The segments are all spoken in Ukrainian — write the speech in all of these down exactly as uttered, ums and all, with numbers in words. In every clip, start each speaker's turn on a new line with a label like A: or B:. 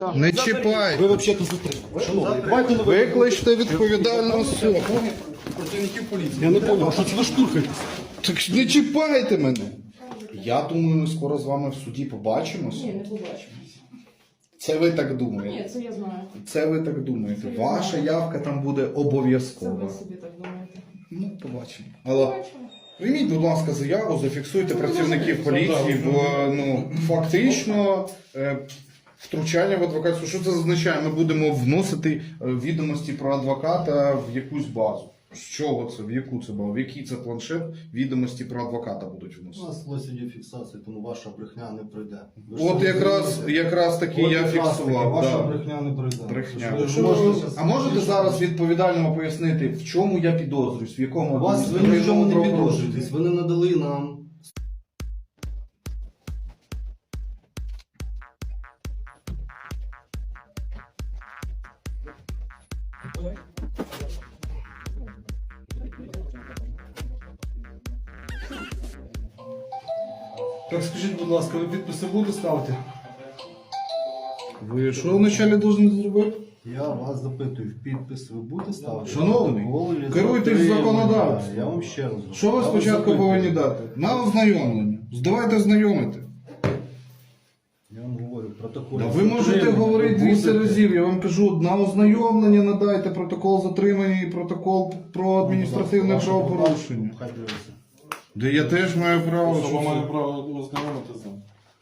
A: Не чіпай.
B: Ви взагалі тут затримали. Шановний, давайте на
A: Викличте відповідальну особу.
B: працівників поліції. Я не зрозумів, а що це ви штурхаєтесь?
A: Так не чіпайте мене. Я думаю, ми скоро з вами в суді побачимося.
C: Ні, не побачимо.
A: Це ви так думаєте.
C: Ні, це я знаю.
A: Це ви так думаєте.
C: Це я
A: Ваша
C: знаю.
A: явка там буде
C: Це
A: обов'язкова.
C: ви собі так думаєте.
A: Ну, побачимо. Але
C: Побачимо.
A: прийміть, будь ласка, заяву, зафіксуйте працівників поліції, бо ну, фактично е, втручання в адвокатську. Що це означає? Ми будемо вносити е, відомості про адвоката в якусь базу. З чого це? В яку це базу? В який це планшет відомості про адвоката будуть
B: У
A: вносити?
B: нас ось є фіксація, тому ваша брехня не пройде. Ви ж
A: От
B: самі
A: якраз,
B: розумієте.
A: якраз таки
B: От
A: я
B: якраз таки
A: фіксував.
B: Ваша
A: Да.
B: брехня не пройде.
A: Брехня.
B: Ви ж
A: Що
B: можете
A: ви-
B: зараз-
A: А можете зараз відповідально пояснити, в чому я підозрююсь, в якому
B: Вас ви
A: адміністративному
B: нічого не
A: правопорушенні?
B: підозрюєтесь, ви не надали нам.
D: Так скажіть, будь ласка, ви підписи будете ставити?
A: Ви що вначалі повинні зробити?
B: Я вас запитую, в підпис ви будете ставити?
A: Шановний,
B: Протокол чи
A: керуйтесь
B: затримання?
A: законодавством.
B: Я вам ще раз говорю.
A: Що ви
B: Я вас
A: спочатку
B: запитую.
A: повинні дати? На ознайомлення. Давайте знайомити.
B: Я вам говорю, протокол.
A: Да ви можете
B: затримання
A: говорити
B: ви
A: двісті
B: будете?
A: разів. Я вам кажу, на ознайомлення надайте протокол затримання і протокол про адміністративне
B: Ваше
A: правопорушення.
B: Хай дивиться.
A: Де я теж маю право.
D: Особа
A: що
D: має
A: це-
D: право ознайомити з ним.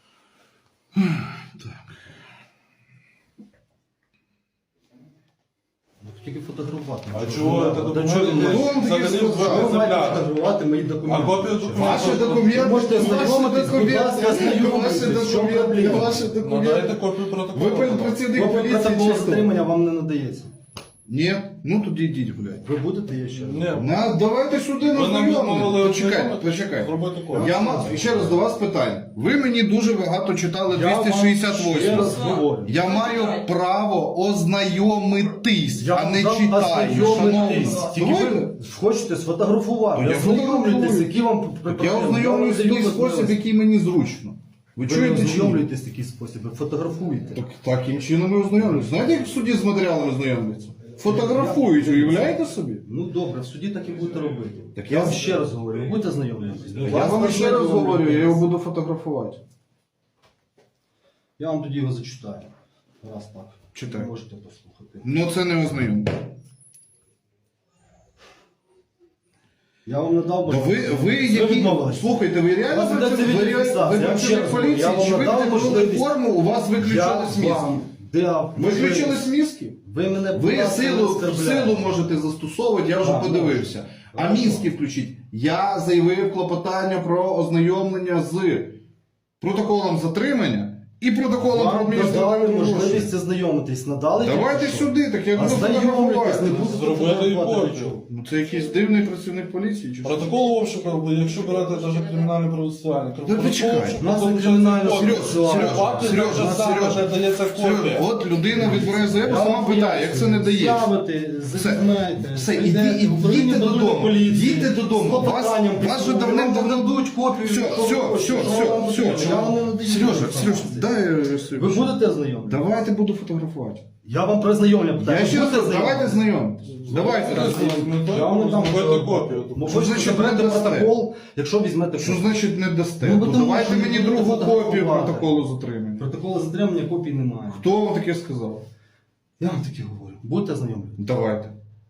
B: Ну, Тільки фотографувати.
D: А чого це
B: До
D: документи?
B: чого ви
D: Хто
B: маєте?
A: вам такі
D: Взагалі
A: сказав?
B: Ви маєте
D: екземпляр.
B: фотографувати мої документи.
D: А копію документів?
A: Ваші документи,
B: Можете
A: ваші
B: ознайомитись, будь
A: документи,
B: ласка,
A: ваші
B: ознайомитись, в чому
A: документи,
B: проблема?
A: ваші
D: Надайте
A: документи.
D: копію протоколу.
A: Ви працівник
B: Копія
A: поліції
B: протоколу
A: чи хто?
B: затримання вам не надається.
A: Ні? Ну тоді йдіть гуляйте.
B: Ви будете є ще?
D: Ні.
A: На, давайте сюди на
D: Ви нам
A: знайомлення.
D: відмовили
A: Почекайте,
D: ознайомити?
A: почекайте.
D: Зробити копію.
A: Я ма- ще раз до вас питання. Ви мені дуже багато читали
B: Я вам
A: двісті шістдесят
B: ще
A: восьм.
B: раз говорю.
A: Я маю право ознайомитись,
B: Я
A: а не
B: вам
A: читаю.
B: ознайомитись.
A: Шановні.
B: Тільки
A: Давайте.
B: ви хочете сфотографувати.
A: То я
B: Ознайомлюйтесь,
A: фотографую.
B: які вам
A: Я ознайомлюсь в такий спосіб, який мені зручно. Ви
B: Ви
A: чуєте чи ні?
B: ознайомлюєтесь в такий спосіб, ви фотографуєте.
A: Так, таким чином ми ознайомлюсь. Знаєте, як в суді з матеріалами ознайомляться? Фотографують, уявляєте собі?
B: Ну добре, в суді так і будете робити.
A: Так
B: Я
A: я-
B: вам ще раз говорю, ви будете знайомитись?
A: Я вам ще раз говорю, я його буду фотографувати.
B: Я вам тоді його зачитаю. Раз так.
A: Читай.
B: Можете послухати.
A: Ну це не ознайомлення.
B: Я вам надав
A: Да ви, ви які... Слухайте, ви реально
B: Вас ведеться
A: працюєте? Ви,
B: відеофіксація.
A: ви
B: Я вам ще
A: працюєте
B: раз
A: в
B: говорю,
A: поліції,
B: я вам
A: чи ви
B: надав
A: вдягнули
B: можливість-
A: форму, у вас виключали сміски?
B: Да,
A: Виключили сміски?
B: Ви мене будь
A: Ви
B: ласка, не
A: силу,
B: оскорбляйте.
A: силу можете застосовувати, я вже
B: Так,
A: подивився. А
B: Хорошо.
A: мінські включіть. Я заявив клопотання про ознайомлення з протоколом затримання і протоколом про
B: Вам надали
A: адміністративне
B: можливість
A: порушення.
B: ознайомитись. Надали?
A: Давайте
B: тільки що?
A: сюди, так я буду
B: Ознайомлюйтесь, не
A: фотографувати.
B: буду
D: Зробити
B: фотографувати
D: копію.
B: нічого.
A: Ну це якийсь дивний працівник поліції чи що?
D: Протокол обшуку, якщо берете навіть кримінальне правосуддя.
A: Да почекай.
B: У нас не кримінальне
A: Сереж,
B: процесуальне.
A: Сереж,
D: Факти
A: Сереж,
D: так же само
A: Сереж,
D: не дається
A: Сереж,
D: копія.
A: от людина відбирає заяву,
B: Я
A: сама
B: вам
A: питає, як це не дає.
B: З'явите, зазнаєте,
A: Все, іди,
B: прийдете в управління
A: ідіть
B: патрульної
A: додому,
B: поліції,
A: йдіть додому.
B: з клопотанням
A: Вас- вас же
B: підсумку,
A: давним-давно-
B: вам дадуть копію.
A: Все,
B: якщо
A: все,
B: ви хочете.
A: все,
B: Що вам
A: все,
B: потрібно?
A: все.
B: Я вам не надаю
A: Сережа,
B: інформації.
A: Сережа, дай я собі.
B: Ви будете ознайомлені?
A: Давайте буду фотографувати.
B: Я вам про знайомлення питаю.
A: Я
B: Ви
A: ще раз
B: будете
A: кажу, давайте
B: ознайомлені?
A: знайомитись. Давайте раз.
B: Я вам не дам
D: Зробити копію.
B: Ну,
A: Що
B: ви
A: значить
B: заберете
A: не дасте?
B: протокол, якщо візьмете
A: Що
B: копію.
A: значить не дасте?
B: Ну, бо
A: То
B: тому
A: давайте
B: що
A: мені
B: ви
A: другу
B: будете
A: копію
B: фотографувати.
A: протоколу затримання.
B: Протоколу затримання копій немає.
A: Хто вам таке сказав?
B: Я вам таке говорю. Будете ознайомлені?
A: Давайте.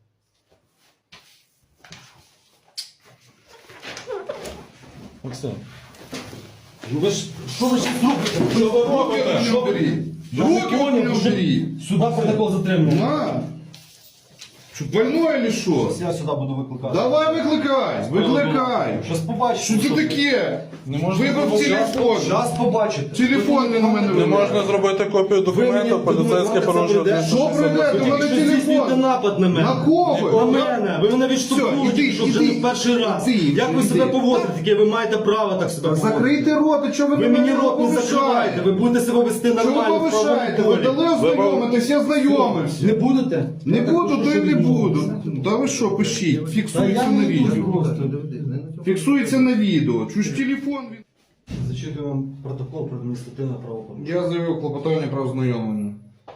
D: Максим.
B: Ну ви ж, що ви ще зробите?
D: Що ви робите?
B: Що ви?
A: Руки
B: понял,
A: не
B: вже-
A: убери.
B: Сюди протокол затримання.
A: На. Що, больной или що?
B: Я сюди буду викликати.
A: Давай викликай, викликай.
B: Щас побачите.
A: Що це таке?
D: Не можна
A: Вибрав
D: зробити-
A: телефон.
B: Щас побачите.
A: Телефон не на мене
D: Не
A: вибрав.
D: можна зробити копію документу, поліцейське порушення.
A: Що прийде? У мене
B: Ви здійснюєте
A: телефон.
B: напад на мене.
A: На кого?
B: На мене. Ви мене відштовхнули,
A: Все, іди,
B: тільки що вже
A: іди.
B: не в перший раз.
A: Іди,
B: Як ви
A: іди.
B: себе поводите? Таке ви маєте право так себе поводити.
A: Закрийте рот, а чого ви
B: Ви
A: на
B: мені
A: мене
B: рот не
A: повишаєте?
B: закриваєте. Ви будете себе вести
A: Чого ви
B: нормально в
A: повишаєте? Ви
B: правовому
A: дали
B: полі.
A: ознайомитись, я знайомився.
B: Не будете?
A: Не
B: Я так
A: буду,
B: прошу,
A: то й
B: щоб
A: не
B: відмовитися.
A: буду. Та ви що, пишіть,
B: Та
A: фіксується
B: я
A: на
B: не дуже
A: відео.
B: просто.
A: Фіксується на відео. Чуж телефон.
B: Зачитую вам протокол про адміністративне правопорушення.
A: Я заявив клопотання про ознайомлення.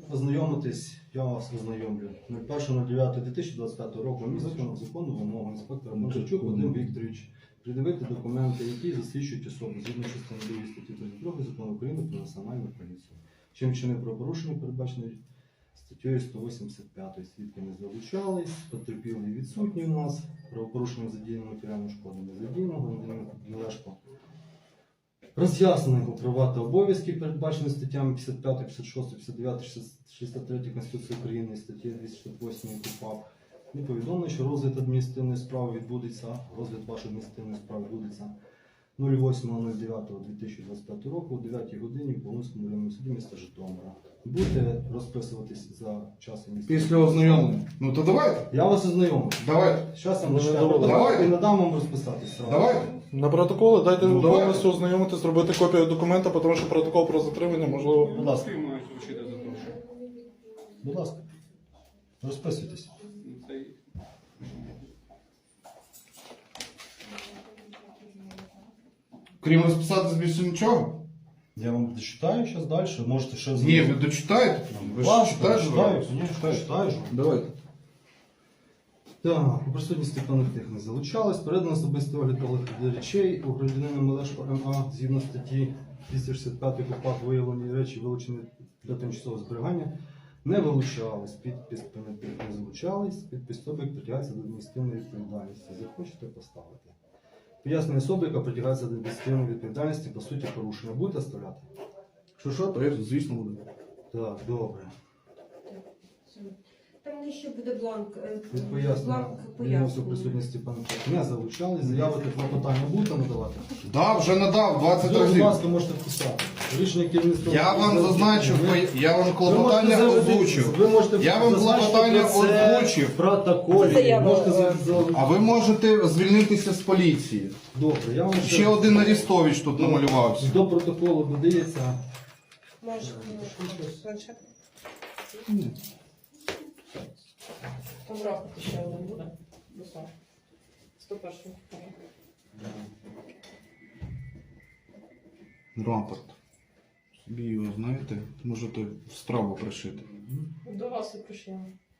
B: Ознайомитись, я вас ознайомлю. перше дев'яте дві тисячі двадцять п'ятого року місяця закону вимогу інспектора Марчачук Вадим Вікторович придивити документи, які засвідчують особу згідно частини другої статті тридцять два Закону України про національну поліцію. Чим чинив правопорушення, передбачене статтею сто вісімдесят п'ять. Свідки не залучались, потерпілий відсутні у нас, правопорушення задіяно, матеріальну шкоду не задіяно, громадянин Мелешко роз'яснено його права та обов'язки, передбачені статтями п'ятдесят п'ять, п'ятдесят шість, п'ятдесят дев'ять, шістдесят три Конституції України і статті двісті шістдесят восьм КУпАП. Не повідомлено, що розгляд адміністративної справи відбудеться, розгляд вашої адміністративної справи відбудеться восьмого дев'ятого дві тисячі двадцять п'ятого року о дев'ятій годині в Полонському районному суді міста Житомира. Будете розписуватись за час і місце?
A: Після ознайомлення. Ну то давайте.
B: Я вас ознайомлю.
A: Давайте.
B: Зараз я вам
D: Ну,
B: зачитаю
D: давай.
B: протокол
A: Давайте.
B: і надам вам розписатись. сразу.
A: Давайте.
D: На протоколи дайте
A: Ну, давай.
D: повністю ознайомити, зробити копію документа, тому що протокол про затримання можливо.
B: Будь ласка. Будь ласка. Розписуйтесь.
A: Крім розписатись більше нічого?
B: Я вам дочитаю зараз далі. Можете ще
A: Ні, ви дочитаєте? Ви ж
B: Ласка,
A: читаєте?
B: читаю, звісно, читаю.
A: Давайте.
B: Так, у присутності певних тих не залучались. Передано особистий огляд огляд речей у громадянина Мелешко М А згідно статті двісті шістдесят п'ять КУпАП виявлені речі, вилучені для тимчасового зберігання, не вилучались. Підпис понятих не залучались. Підпис особи притягається до адміністративної відповідальності. Захочете поставити. Пояснення особи, яка притягається до адміністративної відповідальності, по суті порушення. Будете оставляти?
A: Що що, то я, звісно, буду.
B: Так, добре.
C: Там нижче буде бланк. е,
B: Від пояснення.
C: Бланк
B: Відносно
C: пояснення.
B: присутності панчак не залучались. Заяви та клопотання будете надавати?
A: Да, вже надав двадцять
B: Ви, будь
A: разів.
B: ласка, можете вписати. Рішення керівництва.
A: Я вам зазначив,
B: Ви-
A: я вам
B: ви
A: клопотання
B: можете завжди-
A: озвучив.
B: Ви можете
A: Я вам
B: зазначити
A: клопотання
B: про це
A: озвучив.
B: в протоколі.
C: Заяву,
B: Можете
C: е,
B: за- за-
A: А ви можете звільнитися з поліції.
B: Добре, я вам
A: Ще один Арістович тут намалювався.
B: До протоколу додається.
C: Може, ну, планшет. Там рапорт ще один буде. Руслан. сто перший.
A: Рапорт. Собі його, знаєте, можете в страву пришити.
C: До вас і прийшли.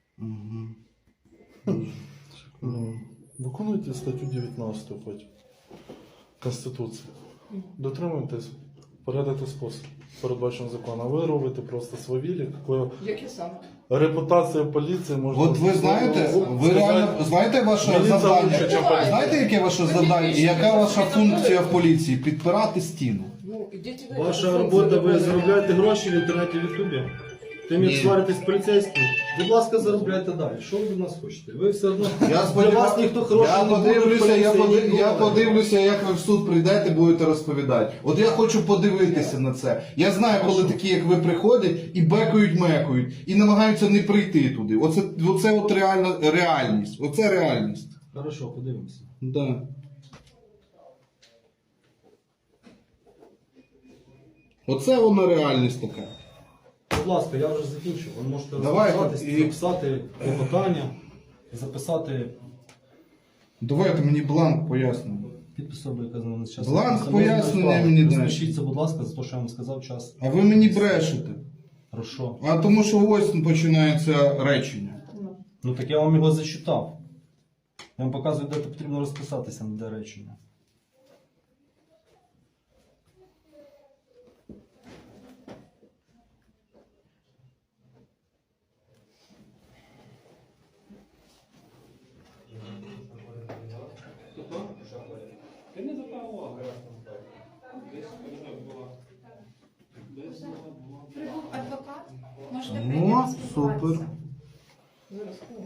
A: Угу.
D: Ну, виконуйте статтю дев'ятнадцяту потім Конституції. Дотримуйтесь, порядок і спосіб, передбачений законом. А ви робите просто свавілі, коли
C: Які саме?
D: репутація поліції може...
A: От ви знаєте, ви реально знаєте ваше
D: Міліція
A: завдання?
D: лучше, чим поліція.
A: Знаєте, яке ваше завдання і яка ваша функція в поліції? Підпирати стіну.
C: Ну, ідіть ви.
B: Ваша робота, ви заробляєте гроші в інтернеті в Ютубі. Тим
A: Ні.
B: як сваритесь з поліцейським. Будь ласка, заробляйте далі. Що ви від нас хочете? Ви все одно
A: Я
B: для
A: сподіваюся,
B: вас ніхто хороший
A: я
B: не буде в
A: подивлюся, я,
B: поліції,
A: поди- я
B: ніколи.
A: подивлюся, як ви в суд прийдете, будете розповідати. От я хочу подивитися на це. Я знаю, коли такі, як ви, приходять і бекають, мекають, і намагаються не прийти туди. Оце, оце от реальна реальність. Оце реальність.
B: Хорошо, подивимося.
A: Да. Оце вона реальність така.
B: Будь ласка, я вже закінчив. Ви можете
A: Давайте,
B: розписатись,
A: і-
B: записати клопотання, записати
A: Давайте мені бланк пояснення.
B: підпис особи, яка з нами час.
A: Бланк пояснення мені дай.
B: Розпишіться, будь ласка, за те, що я вам сказав час.
A: А ви мені брешете.
B: Хорошо.
A: А тому що ось починається речення.
B: Ну так я вам його зачитав. Я вам показую, де потрібно розписатися на де речення.
E: Прибув адвокат. Можете
A: О,
E: прийти
A: супер.
E: поспілкуватися.
C: Зараз. ну.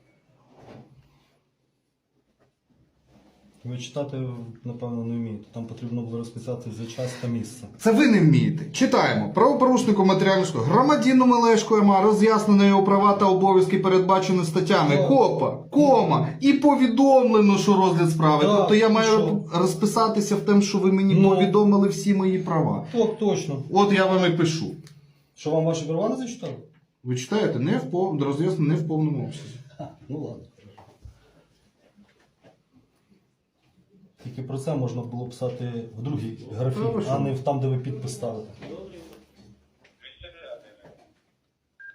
B: Ви читати, напевно, не вмієте. Там потрібно було розписати за час та місце.
A: Це ви не вмієте. Читаємо. Правопорушнику матеріальну шкоду. Громадянину Мелешко М А роз'яснено його права та обов'язки, передбачені статтями
B: Так.
A: КОПа, кома, і повідомлено, що розгляд справи.
B: Так,
A: Тобто я
B: і
A: маю
B: що?
A: розписатися в тому, що ви мені
B: Ну.
A: повідомили всі мої права.
B: Так, точно.
A: От я вам і пишу.
B: Що вам ваші права не зачитали?
A: Ви читаєте? Не в пов... роз'яснено не в повному обсязі.
B: Ну ладно. Тільки про це можна було писати в другій графі,
A: Та ви що?
B: а не в там, де ви підпис ставите.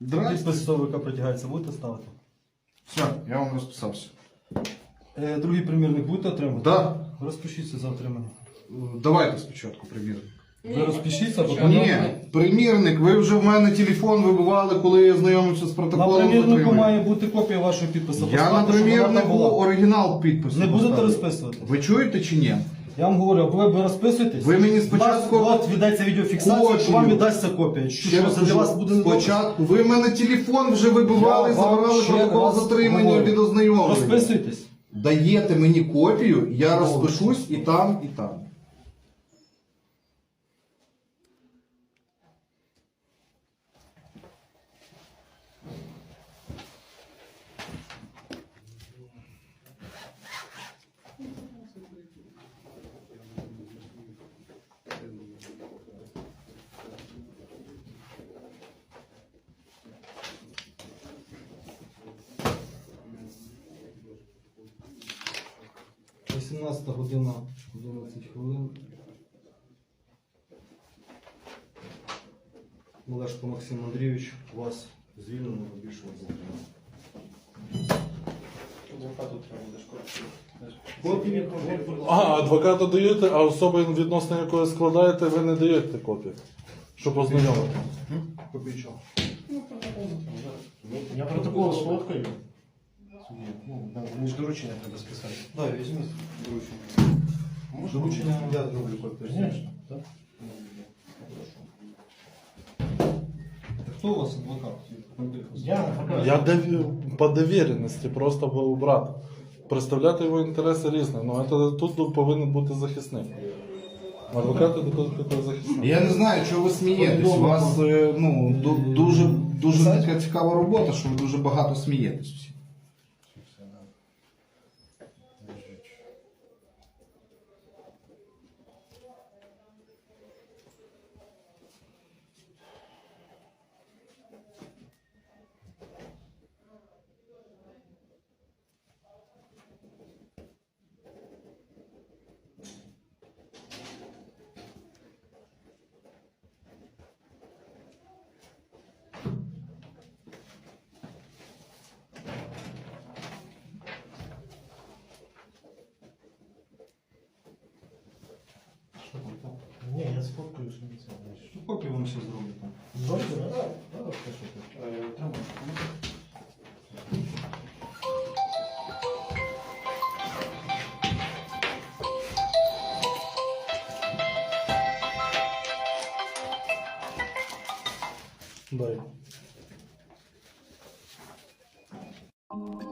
A: Здрасте.
B: Підпис особи, яка притягається, будете ставити?
A: Все, я вам розписався.
B: Е, другий примірник будете отримувати?
A: Да.
B: Розпишіться за отримання.
A: Давайте спочатку примірник.
B: Ви розпишіться, бо
A: Ні, примірник, ви вже в мене телефон вибивали, коли я знайомився з
B: на
A: протоколом
B: примірнику
A: затримання.
B: має бути копія вашого підпису.
A: Я на
B: Поставте, щоб вона там
A: примірнику
B: була.
A: оригінал підпису.
B: Не будете
A: поставив.
B: розписувати?
A: Ви чуєте чи ні?
B: Я вам говорю, або ви розписуєтесь.
A: Ви мені спочатку-
B: Вас, от віддається відеофіксація,
A: Копію.
B: що вам віддасться копія. Що,
A: Ще
B: що
A: раз
B: це для вас
A: кажу,
B: буде недобре?
A: спочатку. Ви в мене телефон вже вибивали,
B: Я вам
A: забирали
B: ще
A: протокол
B: раз
A: затримання
B: говорю.
A: від ознайомлення.
B: Розписуйтесь.
A: Даєте мені копію, я розпишусь і там, і там.
B: вісімнадцята година, одинадцять хвилин. Олешко Максим Андрійович, вас звільнено, більше не затримано. Копії?
D: А, адвоката даєте, а особи, відносно якої складаєте, ви не даєте копію. Щоб ознайомити.
B: Копії чого?
F: Я протокол сфоткаю. Ну, мені ж доручення треба списати.
B: Так, візьміть доручення. Доручення я зроблю копію.
F: Звісно, так?
B: Хто у вас адвокат?
F: Я адвокат.
D: Я дов- по довіреності просто був брат. Представляти його інтереси різні. Ну, це, тут повинен бути захисник. Адвокати тут захисник.
A: Я не знаю, чого ви смієтесь. У вас е, ну, ду- дуже, дуже така цікава робота, що ви дуже багато смієтесь всі.
F: Ні, я сфоткаю, що це знаєш.
B: Ну, копію вам ще зроблю там.
F: Зробите, так? Так, так, розпишете. Тримай.
D: Дай.